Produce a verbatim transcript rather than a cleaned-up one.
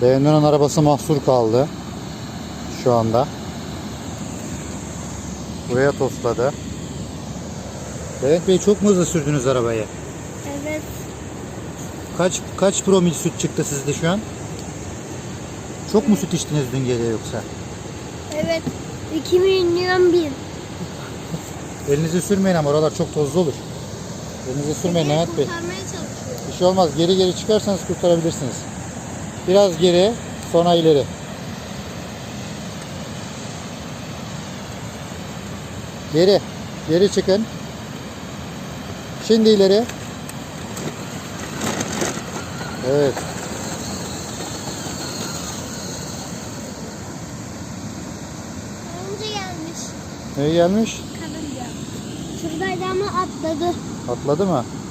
Beğenilen arabası mahsur kaldı. Şu anda. Buraya tosladı. Levent Bey, çok mu hızlı sürdünüz arabayı? Evet. Kaç kaç promil süt çıktı sizde şu an? Çok mu süt içtiniz dün gece yoksa? Evet. iki milyon bir. Elinizi sürmeyin ama oralar çok tozlu olur. Elinizi sürmeyin Levent Bey. Kurtarmaya çalışıyor. Bir şey olmaz. Geri geri çıkarsanız kurtarabilirsiniz. Biraz geri, sonra ileri. Geri. Geri çıkın. Şimdi ileri. Evet. Karınca gelmiş. Ne gelmiş? Karınca. Şuradaydı ama atladı. Atladı mı?